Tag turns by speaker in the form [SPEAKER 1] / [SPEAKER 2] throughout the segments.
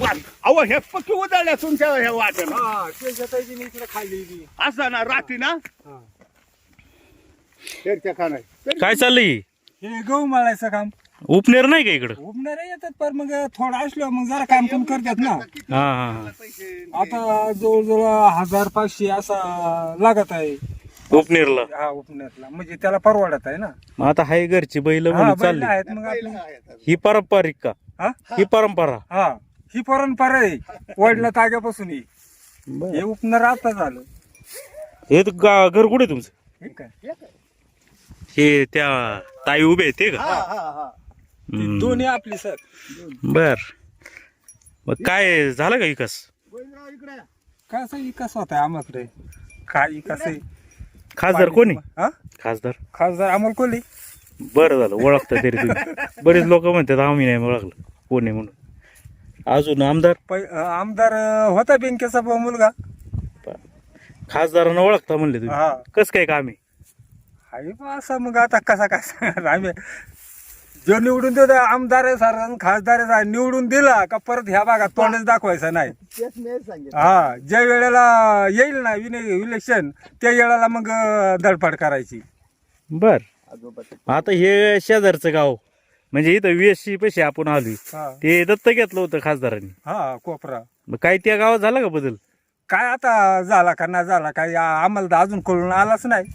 [SPEAKER 1] अहो हे पक्की उदाळल्या तुमच्या ह्या वाट्यानं
[SPEAKER 2] इकडे खाली
[SPEAKER 1] असं ना रात्री ना तेरच्या खाणार
[SPEAKER 3] काय चाललंय
[SPEAKER 2] हे गहू मळायचं काम
[SPEAKER 3] उपनेर नाही का इकडं
[SPEAKER 2] उबणार येतात पण मग थोडं असलो मग जरा काम पण करतात ना.
[SPEAKER 3] हा हा
[SPEAKER 2] आता जवळजवळ 1500 असा लागत आहे
[SPEAKER 3] उपनेरला.
[SPEAKER 2] हा उपनेरला म्हणजे त्याला परवडत आहे ना.
[SPEAKER 3] मग आता हाय घरची बैल
[SPEAKER 2] हा,
[SPEAKER 3] म्हणून
[SPEAKER 2] बैल
[SPEAKER 3] चालली
[SPEAKER 2] आहेत मग आपले.
[SPEAKER 3] ही पारंपरिक का
[SPEAKER 2] हा
[SPEAKER 3] ही परंपरा
[SPEAKER 2] हा ही परंपरा आहे वडला ताग्यापासून ही. हे उपनर आता झालं.
[SPEAKER 3] हे घर कुठे तुमचं
[SPEAKER 2] हे काय
[SPEAKER 3] हे त्या ताई उभे आहेत ते का
[SPEAKER 2] ती दोन्ही आपली सर.
[SPEAKER 3] बर मग काय झालं का विकास
[SPEAKER 2] काय असं विकास होता आम्हाकडे काय विकास आहे.
[SPEAKER 3] खासदार कोणी
[SPEAKER 2] हा
[SPEAKER 3] खासदार
[SPEAKER 2] खासदार अमोल कोल्हे.
[SPEAKER 3] बरं झालं ओळखता तरी तुम्ही बरेच लोक म्हणतात आम्ही नाही ओळखलं कोण आहे म्हणून. अजून आमदार
[SPEAKER 2] आमदार होता बँकेचा मुलगा.
[SPEAKER 3] खासदारांना ओळखता म्हणले तुम्ही
[SPEAKER 2] हा
[SPEAKER 3] कस काय काम आहे
[SPEAKER 2] आहे बा असं मग आता कसा काय सांगणार आम्ही. जो निवडून देतो आमदार आहे सर खासदार आहे निवडून दिला का परत ह्या भागात तोंडच दाखवायचं नाही. हा ज्या वेळेला येईल ना इलेक्शन त्या वेळेला मग धडपड करायची.
[SPEAKER 3] बर आता हे शेजारचं गाव म्हणजे इथं VSC पैसे आपण आलोय
[SPEAKER 2] हा
[SPEAKER 3] ते दत्त घेतलं होतं खासदारांनी.
[SPEAKER 2] हा कोपरा
[SPEAKER 3] मग काय त्या गावात झाला का बदल
[SPEAKER 2] काय आता झाला का नाही झाला काय आम्हाला तर अजून कळून आलाच नाही.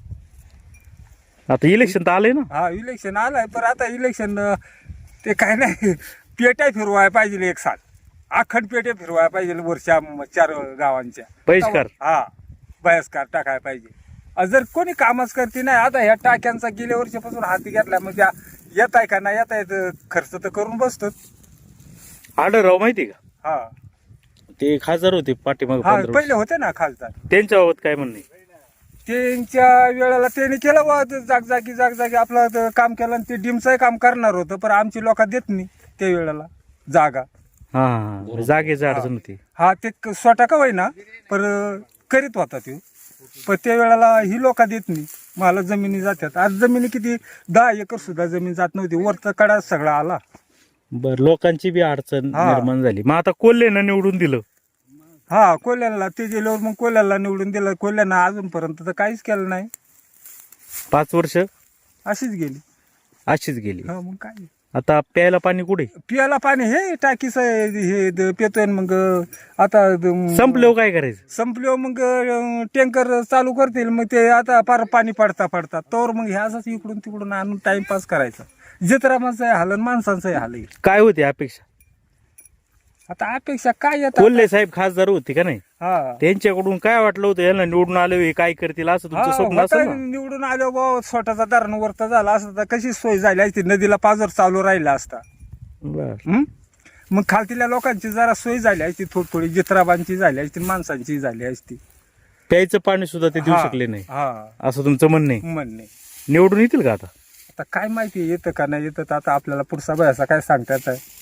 [SPEAKER 3] आता इलेक्शन तर आलंय ना.
[SPEAKER 2] हा इलेक्शन आलाय पण आता इलेक्शन ते काय नाही पेट्या फिरवायला पाहिजे एक साल अखंड पेट्या फिरवायला पाहिजे वर्षा 4 गावांच्या
[SPEAKER 3] बहिष्कार.
[SPEAKER 2] हा बहिष्कार टाकायला पाहिजे. जर कोणी कामच करते नाही आता ह्या टाक्यांचा गेल्या वर्षापासून हाती घेतला म्हणजे येत आहे का नाही येत आहे खर्च तर करून बसतो.
[SPEAKER 3] आढळराव माहिती का
[SPEAKER 2] हा
[SPEAKER 3] ते खासदार होते पाठीमाग
[SPEAKER 2] हा पहिले होते ना खासदार.
[SPEAKER 3] त्यांच्या बाबत काय म्हणणे
[SPEAKER 2] त्यांच्या वेळेला त्यांनी केलं बा जागजागी आपलं काम केलं आणि ते डिमचं काम करणार होतं पण आमची लोक देत नाही त्या वेळेला जागा.
[SPEAKER 3] हा जागेची अडचण होती.
[SPEAKER 2] हा ते स्वतः का होईना पण करीत होता ते पण त्या वेळेला ही लोक देत नाही. मला जमिनी जातात आज जमिनी किती 10 एकर सुद्धा जमीन जात नव्हती वरचा कडा सगळा आला.
[SPEAKER 3] बर लोकांची बी अडचण
[SPEAKER 2] हा.
[SPEAKER 3] निर्माण झाली. मग आता कोल्हेनं निवडून दिलं.
[SPEAKER 2] हा कोल्ह्याला ते गेल्यावर मग कोल्ह्याला निवडून दिलं. कोल्ह्यानं अजूनपर्यंत तर काहीच केलं नाही.
[SPEAKER 3] 5 वर्ष
[SPEAKER 2] अशीच गेली.
[SPEAKER 3] अशीच गेली.
[SPEAKER 2] हा मग काय
[SPEAKER 3] आता प्यायला पाणी कुठे
[SPEAKER 2] पियाला पाणी हे टाकीच हे पेतोय मग आता
[SPEAKER 3] संपल्यावर काय करायचं
[SPEAKER 2] संपल्यावर मग टँकर चालू करतील मग ते आता पार पाणी पडता तोवर मग हे असंच इकडून तिकडून आणून टाइमपास करायचा. जत्रामाचं आहे हाल आणि माणसांचं हाल आहे.
[SPEAKER 3] काय होती अपेक्षा
[SPEAKER 2] आता अपेक्षा काय येतात.
[SPEAKER 3] कोल्हे साहेब खासदार होते का नाही
[SPEAKER 2] हा
[SPEAKER 3] त्यांच्याकडून काय वाटलं होतं यांना निवडून आले हे काय करतील असं तुमचं स्वप्न
[SPEAKER 2] होता
[SPEAKER 3] असेल ना.
[SPEAKER 2] निवडून आलो बा स्वतःचा धरण वरता झाला असता तर कशी सोय झाली असती नदीला पाजर चालू राहिला असता.
[SPEAKER 3] बर
[SPEAKER 2] मग खालतील्या लोकांची जरा सोय झाली असती थोडी जित्राबांची झाली असती माणसांची झाली असती.
[SPEAKER 3] प्यायचं पाणी सुद्धा ते देऊ शकले नाही
[SPEAKER 2] हा
[SPEAKER 3] असं तुमचं म्हणणं आहे.
[SPEAKER 2] म्हणणे
[SPEAKER 3] निवडून येतील का आता
[SPEAKER 2] आता काय माहिती येतं का नाही येतं तर आता आपल्याला पुढचा बयाचा काय सांगता येत आहे.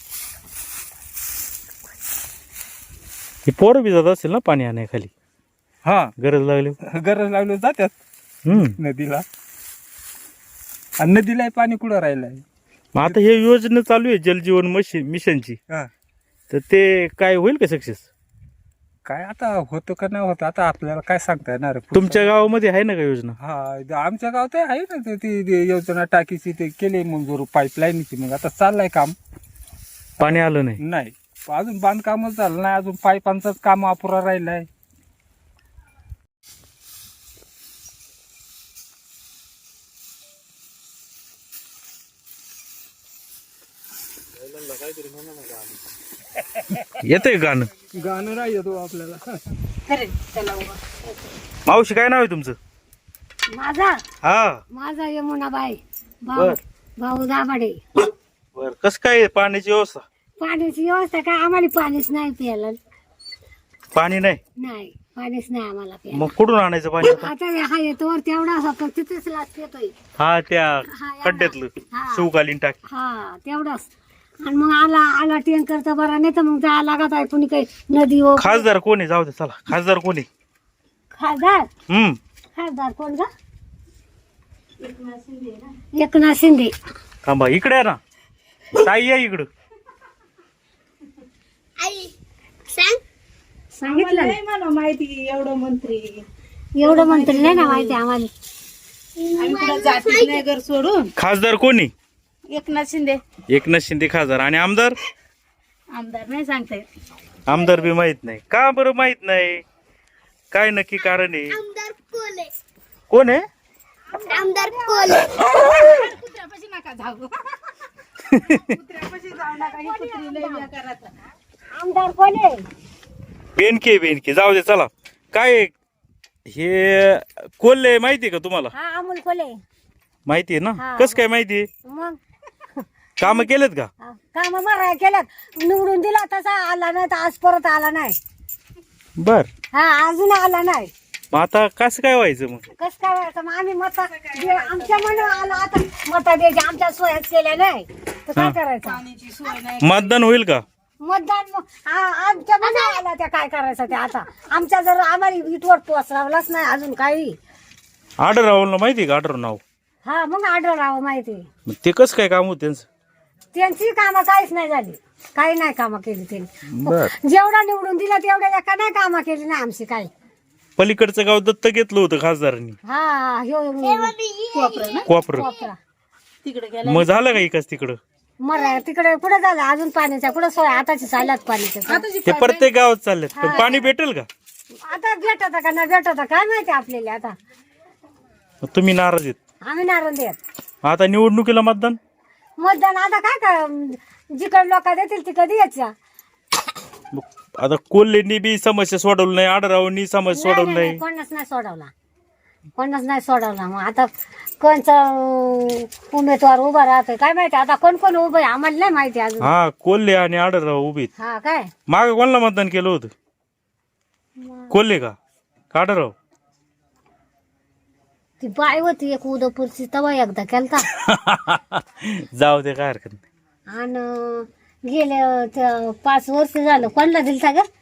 [SPEAKER 3] हे पोरं बी जात असेल ना पाणी आणण्याखाली
[SPEAKER 2] हा
[SPEAKER 3] गरज लागली.
[SPEAKER 2] गरज लागली जातात नदीला आणि नदीला पाणी कुठं राहिलंय.
[SPEAKER 3] मग आता हे योजना चालू आहे जलजीवन मिशनची
[SPEAKER 2] हा
[SPEAKER 3] तर ते काय होईल का सक्सेस
[SPEAKER 2] काय आता होतं का नाही होतं आता आपल्याला काय सांगता येणार आहे.
[SPEAKER 3] तुमच्या गावामध्ये आहे ना का योजना
[SPEAKER 2] हा आमच्या गावात आहे ना ती योजना टाकीची ते केली मंजूर पाईपलाईनची मग आता चाललंय काम.
[SPEAKER 3] पाणी आलं नाही
[SPEAKER 2] नाही अजून बांधकामच झालं नाही अजून पाईपांचंच काम अपुरा राहिलंय.
[SPEAKER 3] येतंय गाणं
[SPEAKER 2] गाणं राहिलं तो आपल्याला.
[SPEAKER 3] मावशी काय नाव आहे तुमचं
[SPEAKER 4] माझा यमुनाबाई
[SPEAKER 3] बर
[SPEAKER 4] भाऊ दाभाडे.
[SPEAKER 3] बर कस काय पाण्याची व्यवस्था
[SPEAKER 4] पाण्याची व्यवस्था काय आम्हाला पाणीच नाही प्यायला.
[SPEAKER 3] पाणी
[SPEAKER 4] नाही पाणीच नाही आम्हाला प्यायला.
[SPEAKER 3] मग कुठून आणायचं पाणी
[SPEAKER 4] आता हा येतो वर तेवढा असा तिथेच लाच येतोय.
[SPEAKER 3] हा त्या
[SPEAKER 4] हा,
[SPEAKER 3] खड्ड्यातलं
[SPEAKER 4] हा.
[SPEAKER 3] शिवकालीन टाकी
[SPEAKER 4] हा तेवढाच आणि मग आला टँकर तर बरा नाही तर मग जायला लागत आहे कुणी काही नदी व
[SPEAKER 3] खासदार कोण आहे जाऊ दे चला खासदार कोण आहे
[SPEAKER 4] खासदार खासदार कोण का एकनाथ शिंदे.
[SPEAKER 3] थांबा इकडे आहे ना ताई या इकडं
[SPEAKER 4] सांगितलं
[SPEAKER 5] नाही मला माहिती एवढं मंत्री
[SPEAKER 4] एवढं मंत्री नाही ना माहिती आम्हाला.
[SPEAKER 5] आम्ही कुठं जातीच नाही घर सोडून.
[SPEAKER 3] खासदार कोणी?
[SPEAKER 5] एकनाथ शिंदे.
[SPEAKER 3] एकनाथ शिंदे खासदार. आणि आमदार?
[SPEAKER 5] आमदार नाही सांगता येत.
[SPEAKER 3] आमदार बी माहित नाही का बरं? माहित नाही काय नक्की कारण आहे? कोण आहे?
[SPEAKER 5] कुत्र्यापाशी नका जाऊ. कुत्र्यापाशी जाऊ नका. ही कुत्री लय बेकाराचं.
[SPEAKER 4] आमदार कोण आहे?
[SPEAKER 3] बेनके जाऊ दे चला. काय हे कोल्हे माहितीये का तुम्हाला?
[SPEAKER 4] हा अमोल कोले.
[SPEAKER 3] माहितीये ना?
[SPEAKER 4] हा.
[SPEAKER 3] कस काय माहितीये?
[SPEAKER 4] मग
[SPEAKER 3] काम केलेत का?
[SPEAKER 4] काम मारा केल्यात. निवडून दिला तसा आला नाही तर आज परत आला नाही.
[SPEAKER 3] बर.
[SPEAKER 4] हा अजून आला नाही.
[SPEAKER 3] मग आता कसं काय व्हायचं मग?
[SPEAKER 4] कस काय व्हायचं मग आम्ही आमच्या मनावर आला आता मत द्यायची आमच्या सोयच केल्या नाही तर काय करायचं.
[SPEAKER 5] पाण्याची सोय नाही.
[SPEAKER 3] मतदान होईल का?
[SPEAKER 4] मतदान आमच्या मनावर आला त्या काय करायचं ते आता आमच्या जर आम्हाला इटवर पोचरावलाच नाही अजून काही.
[SPEAKER 3] आडर राहुलला माहिती का? आडर नाव.
[SPEAKER 4] हा मग आढळ राहावं माहिती.
[SPEAKER 3] मग ते कसं काय काम होत त्यांचं?
[SPEAKER 4] त्यांची कामं काहीच नाही झाली. काही नाही कामं केली त्यांनी.
[SPEAKER 3] बर.
[SPEAKER 4] जेवढा निवडून दिला तेवढ्या एका नाही कामं केली नाही आमची काही.
[SPEAKER 3] पलीकडचं गाव दत्त घेतलं होतं खासदारांनी.
[SPEAKER 4] हा ह्यो
[SPEAKER 5] कोपरं ना
[SPEAKER 3] कोपर.
[SPEAKER 4] कोपरा
[SPEAKER 5] तिकडे गेला.
[SPEAKER 3] मग झालं का इकाच तिकडं?
[SPEAKER 4] मरा तिकडे कुठं झालं अजून पाण्याच्या कुठं सोय आताची चालल्यात पाण्याच्या.
[SPEAKER 3] ते प्रत्येक गावात चाललेत. पण पाणी भेटेल का?
[SPEAKER 4] आता भेटत का नाही भेटत काय माहिती आपल्याला. आता
[SPEAKER 3] मग तुम्ही नाराज आहेत?
[SPEAKER 4] आम्ही नारायण देत.
[SPEAKER 3] आता निवडणुकीला मतदान?
[SPEAKER 4] मतदान आता काय जिकडे लोक देतील तिकडे द्यायचं.
[SPEAKER 3] मग आता कोल्हेंनी बी समस्या सोडवली नाही, आडरावांनी समस्या सोडवली नाही.
[SPEAKER 4] कोणच नाही सोडवला. कोणच नाही सोडवला. मग आता कोणचा उमेदवार उभा राहतोय काय माहिती. आता कोण कोण उभं आहे आम्हाला नाही माहिती अजून.
[SPEAKER 3] हा कोल्हे आणि आडरराव उभे आहेत.
[SPEAKER 4] हा काय
[SPEAKER 3] माग कोणाला मतदान केलं होतं? कोल्हे का आडरराव?
[SPEAKER 4] ती बाई होती एक उदयपूरची तवा एकदा केलता.
[SPEAKER 3] जाऊ दे काय हरकत नाही.
[SPEAKER 4] आणि गेले 5 वर्ष झालं कोणाला दिलता ग